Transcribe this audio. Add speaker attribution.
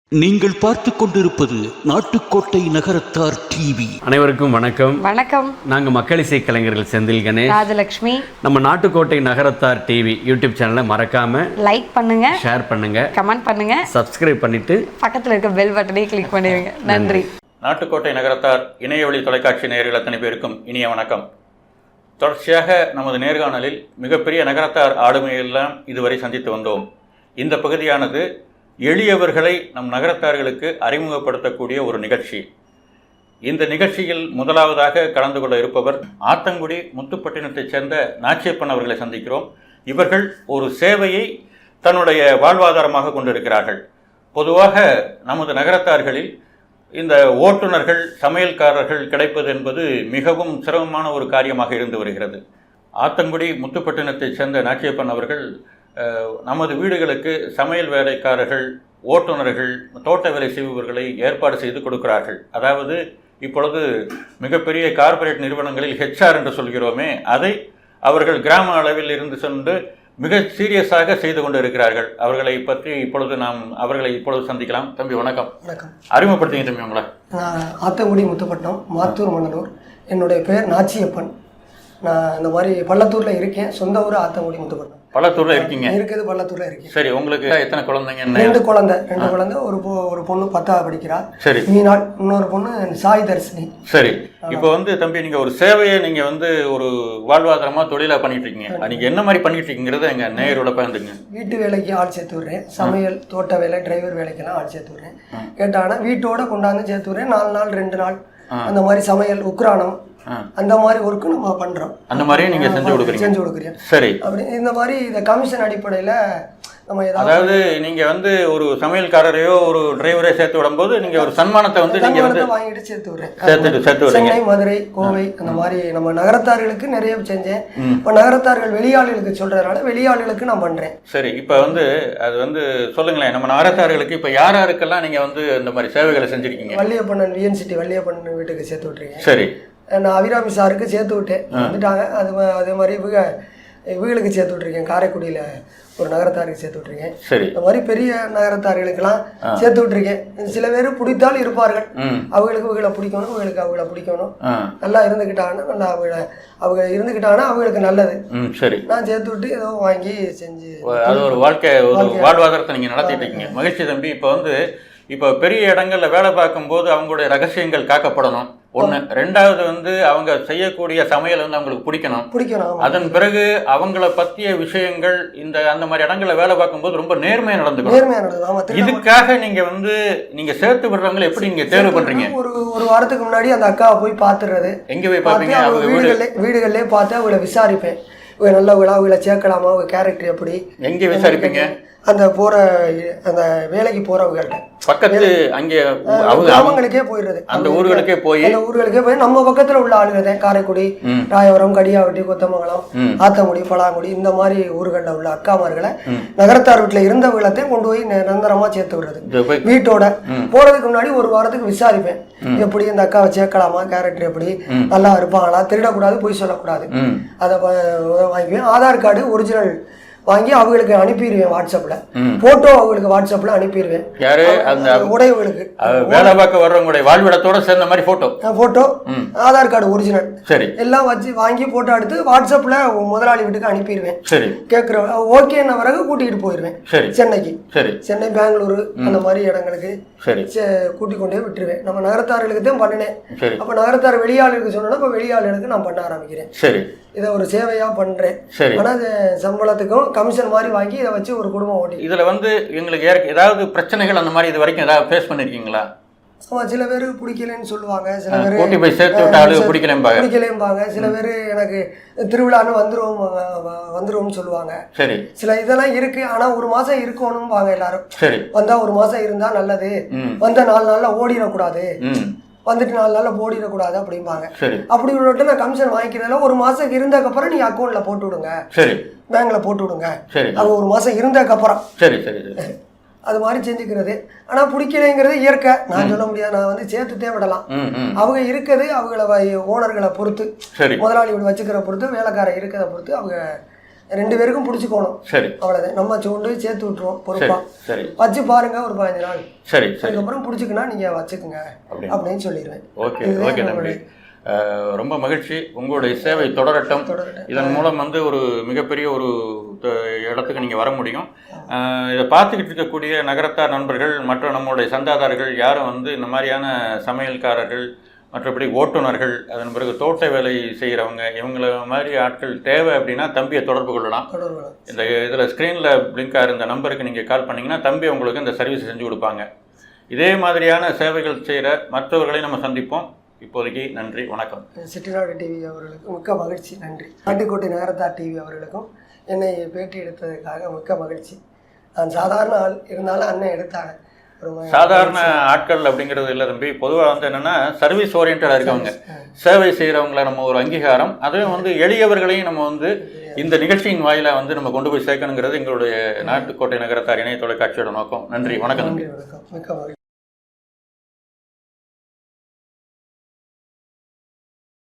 Speaker 1: நீங்கள் பார்த்து கொண்டிருப்பது நாட்டுக்கோட்டை நகரத்தார் டிவி.
Speaker 2: அனைவருக்கும் வணக்கம்.
Speaker 3: வணக்கம்.
Speaker 2: நாங்கள் மக்கள் இசை கலைஞர்கள் செந்தில் கணேஷ்,
Speaker 3: ராஜலட்சுமி.
Speaker 2: நம்ம நாட்டுக்கோட்டை நகரத்தார் டிவி யூடியூப் சேனலை மறக்காம
Speaker 3: லைக் பண்ணுங்க,
Speaker 2: ஷேர் பண்ணுங்க,
Speaker 3: கமெண்ட் பண்ணுங்க,
Speaker 2: சப்ஸ்கிரைப் பண்ணிட்டு
Speaker 3: பக்கத்தில் இருக்க பெல் பட்டனையும் கிளிக் பண்ணிடுங்க. நன்றி.
Speaker 4: நாட்டுக்கோட்டை நகரத்தார் இணையவழி தொலைக்காட்சி நேயர்கள் அத்தனை பேருக்கும் இனிய வணக்கம். தொடர்ச்சியாக நமது நேர்காணலில் மிகப்பெரிய நகரத்தார் ஆளுமையெல்லாம் இதுவரை சந்தித்து வந்தோம். இந்த பகுதியானது எளியவர்களை நம் நகரத்தார்களுக்கு அறிமுகப்படுத்தக்கூடிய ஒரு நிகழ்ச்சி. இந்த நிகழ்ச்சியில் முதலாவதாக கலந்து கொள்ள இருப்பவர் ஆத்தங்குடி முத்துப்பட்டினத்தைச் சேர்ந்த நாச்சியப்பன் அவர்களை சந்திக்கிறோம். இவர்கள் ஒரு சேவையை தன்னுடைய வாழ்வாதாரமாக கொண்டிருக்கிறார்கள். பொதுவாக நமது நகரத்தார்களில் இந்த ஓட்டுநர்கள், சமையல்காரர்கள் கிடைப்பது என்பது மிகவும் சிரமமான ஒரு காரியமாக இருந்து வருகிறது. ஆத்தங்குடி முத்துப்பட்டினத்தைச் சேர்ந்த நாச்சியப்பன் அவர்கள் நமது வீடுகளுக்கு சமையல் வேலைக்காரர்கள், ஓட்டுநர்கள், தோட்ட வேலை செய்பவர்களை ஏற்பாடு செய்து கொடுக்கிறார்கள். அதாவது இப்பொழுது மிகப்பெரிய கார்ப்பரேட் நிறுவனங்களில் ஹெச்ஆர் என்று சொல்கிறோமே, அதை அவர்கள் கிராம அளவில் இருந்து சென்று மிக சீரியஸாக செய்து கொண்டு இருக்கிறார்கள். அவர்களை பற்றி அவர்களை இப்பொழுது சந்திக்கலாம். தம்பி வணக்கம்.
Speaker 5: வணக்கம்.
Speaker 4: அறிமுகப்படுத்திங்க தம்பி உங்களை.
Speaker 5: நான் ஆத்தங்குடி முத்துப்பட்டினம், மாத்தூர் மணலூர். என்னுடைய பேர் நாச்சியப்பன். நான் இந்த மாதிரி பள்ளத்தூரில் இருக்கேன். சொந்த ஊர் ஆத்தங்குடி முத்துப்பட்டினம்.
Speaker 4: பள்ளத்தூர்ல இருக்கீங்க?
Speaker 5: இருக்குது, பள்ளத்தூர்ல இருக்கேன்.
Speaker 4: சரி, உங்களுக்கு எத்தனை குழந்தைங்க?
Speaker 5: ரெண்டு குழந்தை. ஒரு பொண்ணு 10வது படிக்கிறா.
Speaker 4: சரி.
Speaker 5: மீனாள். இன்னொரு பொண்ணு சாய் தர்ஷினி.
Speaker 4: சரி. இப்போ தம்பி, நீங்க ஒரு சேவையை நீங்க ஒரு வாழ்வாதாரமா தொழிலா பண்ணிட்டு இருக்கீங்க. நீங்க என்ன மாதிரி பண்ணிட்டு இருக்கீங்கிறத எங்க நேயரோட பகிர்ந்துங்க.
Speaker 5: வீட்டு வேலைக்கு ஆள் சேர்த்து விடுறேன். சமையல், தோட்ட வேலை, டிரைவர் வேலைக்கெல்லாம் ஆள் சேர்த்து விடுறேன். கேட்டாங்கன்னா வீட்டோட கொண்டாந்து சேர்த்து விடுறேன். 4 நாள் 2 நாள் அந்த மாதிரி சமையல், உக்ரானம், அந்த மாதிரி ஒர்க்கு நம்ம பண்றோம்.
Speaker 4: அந்த மாதிரியே நீங்க செஞ்சு கொடுக்குறீங்க. சரி.
Speaker 5: அப்படி இந்த மாதிரி இந்த கமிஷன் அடிப்படையில நம்ம
Speaker 4: அதாவது நீங்க ஒரு சமையல்காரரையோ ஒரு டிரைவரையோ சேர்த்து விடும்போது நீங்க ஒரு சன்மானத்தை நீங்க
Speaker 5: வாங்கிட்டு சேர்த்து விடுறேன்.
Speaker 4: சேர்த்து
Speaker 5: சென்னை, மதுரை, கோவை அந்த மாதிரி நம்ம நகரத்தார்களுக்கு நிறைய செஞ்சேன். இப்ப நகரத்தார்கள் வெளியாளுகளுக்கு சொல்றதுனால வெளியாளுகளுக்கு நான் பண்றேன்.
Speaker 4: சரி. இப்ப அது சொல்லுங்களேன், நம்ம நகரத்தார்களுக்கு இப்ப யார் யாருக்கெல்லாம் நீங்க இந்த மாதிரி சேவைகளை செஞ்சிருக்கீங்க?
Speaker 5: வள்ளியப்பண்ணன், விஎன்சிட்டி வள்ளியப்பண்ணன் வீட்டுக்கு சேர்த்து விட்டுருக்கேன்.
Speaker 4: சரி.
Speaker 5: நான் அபிராமி சாருக்கு சேர்த்து விட்டேன், வந்துட்டாங்க. அதே மாதிரி இவங்களுக்கு சேர்த்து விட்டுருக்கேன். காரைக்குடியில் ஒரு நகரத்தாருக்கு சேர்த்து விட்டுருக்கேன்.
Speaker 4: சரி. இந்த
Speaker 5: மாதிரி பெரிய நகரத்தார்களுக்கெல்லாம் சேர்த்து விட்டுருக்கேன். சில பேர் பிடித்தால் இருப்பார்கள். அவங்களுக்கு இவங்களை பிடிக்கணும், அவங்கள பிடிக்கணும். நல்லா இருந்துக்கிட்டாங்கன்னா அவங்க இருந்துக்கிட்டாங்கன்னா அவங்களுக்கு நல்லது.
Speaker 4: சரி.
Speaker 5: நான் சேர்த்து விட்டு ஏதோ வாங்கி செஞ்சு
Speaker 4: அது ஒரு வாழ்வாதாரத்தை நீங்கள் நடத்திட்டு இருக்கீங்க. மகிழ்ச்சி தம்பி. இப்போ பெரிய இடங்கள்ல வேலை பார்க்கும்போது அவங்களுடைய ரகசியங்கள் காக்கப்படணும். ஒன்று. ரெண்டாவது அவங்க செய்யக்கூடிய சமையல் அவங்களுக்கு பிடிக்கணும். அதன் பிறகு அவங்கள பற்றிய விஷயங்கள் அந்த மாதிரி இடங்கள்ல வேலை பார்க்கும்போது ரொம்ப நேர்மையாக நடந்துக்கணும். இதுக்காக நீங்க சேர்த்து விடுறவங்களை எப்படி நீங்க தேர்வு பண்றீங்க?
Speaker 5: ஒரு வாரத்துக்கு முன்னாடி அந்த அக்காவை போய் பார்த்துறது.
Speaker 4: எங்க போய் பார்ப்பீங்க?
Speaker 5: வீடுகள்லேயே பார்த்து அவங்கள விசாரிப்பேன். இவங்க நல்லவங்களா, அவங்கள சேர்க்கலாமா, அவங்க கேரக்டர் எப்படி,
Speaker 4: எங்க விசாரிப்பீங்க?
Speaker 5: அந்த வேலைக்கு போறவங்கள்ட்ட
Speaker 4: பக்கத்து அங்கே
Speaker 5: அவங்களுக்கே போயிடுறது.
Speaker 4: அந்த ஊர்களுக்கே போய்
Speaker 5: நம்ம பக்கத்துல உள்ள ஆளுங்க காரைக்குடி, ராயவரம், கடியாவட்டி, கொத்தமங்கலம், ஆத்தங்குடி, பலாங்குடி இந்த மாதிரி ஊர்களில் உள்ள அக்காமார்களை நகரத்தார் வீட்டுல இருந்தவங்களத்தையும் கொண்டு போய் நிரந்தரமா சேர்த்து விடுறது. வீட்டோட போறதுக்கு முன்னாடி ஒரு வாரத்துக்கு விசாரிப்பேன். எப்படி இந்த அக்காவை சேர்க்கலாமா, கேரக்டர் எப்படி, நல்லா இருப்பாங்களா, திருடக்கூடாது, பொய் சொல்லக்கூடாது, அதை வாங்கிக்குவேன். ஆதார் கார்டு ஒரிஜினல் வாங்கி அவங்களுக்கு அனுப்பிடுவேன். வாட்ஸ்அப்ல போட்டோ அவங்களுக்கு வாட்ஸ்அப்ல அனுப்பிடுவேன்.
Speaker 4: யாரு? அந்த
Speaker 5: உடையவங்களுக்கு
Speaker 4: வேலை பார்க்க வர்றவங்களுடைய வாழ்விடத்தோட சேர்ந்த மாதிரி போட்டோ,
Speaker 5: ஆதார் கார்டு ஒரிஜினல்
Speaker 4: சரி
Speaker 5: எல்லாம் வச்சு வாங்கி போட்டோ எடுத்து வாட்ஸ்அப்ல முதலாளி வீட்டுக்கு அனுப்பிடுவேன்.
Speaker 4: சரி.
Speaker 5: கேட்கிற ஓகேன்ன பிறகு கூட்டிகிட்டு போயிடுவேன். சென்னைக்கு.
Speaker 4: சரி.
Speaker 5: சென்னை, பெங்களூரு அந்த மாதிரி இடங்களுக்கு
Speaker 4: சரி
Speaker 5: கூட்டிக் கொண்டே விட்டுருவேன். நம்ம நகரத்தார்களுக்கு தான் பண்ணினேன். அப்ப நகரத்தார் வெளியாளுக்கு சொன்னா இப்ப வெளியாளுக்கு நான் பண்ண ஆரம்பிக்கிறேன்.
Speaker 4: சரி.
Speaker 5: இதை ஒரு சேவையா பண்றேன். ஆனா சம்பளத்துக்கும் கமிஷன் மாதிரி வாங்கி இதை வச்சு ஒரு குடும்பம் ஓட்டி.
Speaker 4: இதுல எங்களுக்கு ஏதாவது பிரச்சனைகள் அந்த மாதிரி இது வரைக்கும் ஏதாவது ஃபேஸ் பண்ணிருக்கீங்களா?
Speaker 5: சில பேர் பிடிக்கலன்னு சொல்லுவாங்க. சில பேர் பிடிக்கலேம்பாங்க. சில பேர் எனக்கு திருவிழான்னு வந்துருவோம்னு சொல்லுவாங்க.
Speaker 4: சரி.
Speaker 5: சில இதெல்லாம் இருக்கு. ஆனா ஒரு மாசம் இருக்கணும் வாங்க எல்லாரும்.
Speaker 4: சரி.
Speaker 5: வந்தா ஒரு மாசம் இருந்தா நல்லது, வந்தா 4 நாள்ல ஓடிடக்கூடாது, வந்துட்டு 4 நாள்ல போடிடக்கூடாது அப்படிம்பாங்க. அப்படி விட்டு நான் கமிஷன் வாங்கிக்கிறதுல ஒரு மாசம் இருந்ததுக்கப்புறம் நீங்க அக்கௌண்ட்ல போட்டு விடுங்க, பேங்க்ல போட்டு விடுங்க. அது ஒரு மாசம் இருந்ததுக்கப்புறம் அது மாதிரி செஞ்சுக்கிறது. ஆனா பிடிக்கலைங்கிறது இயற்கை, நான் சொல்ல முடியாது. நான் சேர்த்துட்டே விடலாம். அவங்க இருக்கிறது அவங்கள ஓனர்களை பொறுத்து, முதலாளி வச்சுக்கிற பொறுத்து, வேலைக்காரன் இருக்கிறத பொறுத்து அவங்க 2 பேருக்கும் பிடிச்சிக்கணும்.
Speaker 4: சரி,
Speaker 5: அவ்வளவுதான். நம்ம கொண்டு போய் சேர்த்து விட்டுருவோம் பொறுப்பா.
Speaker 4: சரி,
Speaker 5: வச்சு பாருங்க ஒரு 15 நாள்.
Speaker 4: சரி, சரி.
Speaker 5: அதுக்கப்புறம் பிடிச்சிக்கினா நீங்க வச்சுக்குங்க அப்படின்னு சொல்லிடுவேன்.
Speaker 4: ஓகே, ஓகே தம்பி. ரொம்ப மகிழ்ச்சி. உங்களுடைய சேவை தொடரட்டும். இதன் மூலம் வந்து ஒரு மிகப்பெரிய ஒரு இடத்துக்கு நீங்கள் வர முடியும். இதை பார்த்துக்கிட்டு இருக்கக்கூடிய நகரத்தார் நண்பர்கள் மற்ற நம்மளுடைய சந்தாதாரர்கள் யாரும் வந்து இந்த மாதிரியான சமையல்காரர்கள், மற்றபடி ஓட்டுநர்கள், அதன் பிறகு தோட்ட வேலை செய்கிறவங்க, இவங்கள மாதிரி ஆட்கள் தேவை அப்படின்னா தம்பியை தொடர்பு கொள்ளலாம். இந்த இதில் ஸ்க்ரீனில் பிளிங்க் ஆகிற இந்த நம்பருக்கு நீங்கள் கால் பண்ணிங்கன்னா தம்பி உங்களுக்கு இந்த சர்வீஸ் செஞ்சு கொடுப்பாங்க. இதே மாதிரியான சேவைகள் செய்கிற மற்றவர்களை நம்ம சந்திப்போம். இப்போதைக்கு நன்றி, வணக்கம்.
Speaker 5: செட்டிநாடு டிவி அவர்களுக்கு மிக்க மகிழ்ச்சி, நன்றி. நாட்டுக்கோட்டை நகரத்தார் டிவி அவர்களுக்கும் என்னை பேட்டி எடுத்ததுக்காக மிக்க மகிழ்ச்சி. நான் சாதாரண ஆள் இருந்தாலும் அண்ணன் எடுத்தாங்க.
Speaker 4: சாதாரண ஆட்கள் அப்படிங்கிறது இல்லை தம்பி. பொதுவாக வந்து என்னென்னா சர்வீஸ் ஓரியன்டாக இருக்கவங்க, சேவை செய்கிறவங்கள நம்ம ஒரு அங்கீகாரம், அதுவும் வந்து எளியவர்களையும் நம்ம வந்து இந்த நிகழ்ச்சியின் வாயிலாக வந்து நம்ம கொண்டு போய் சேர்க்கணுங்கிறது எங்களுடைய நாட்டுக்கோட்டை நகரத்தார் இணைய தொலைக்காட்சியோட நோக்கம். நன்றி, வணக்கம்.
Speaker 5: மிக்க மகிழ்ச்சி.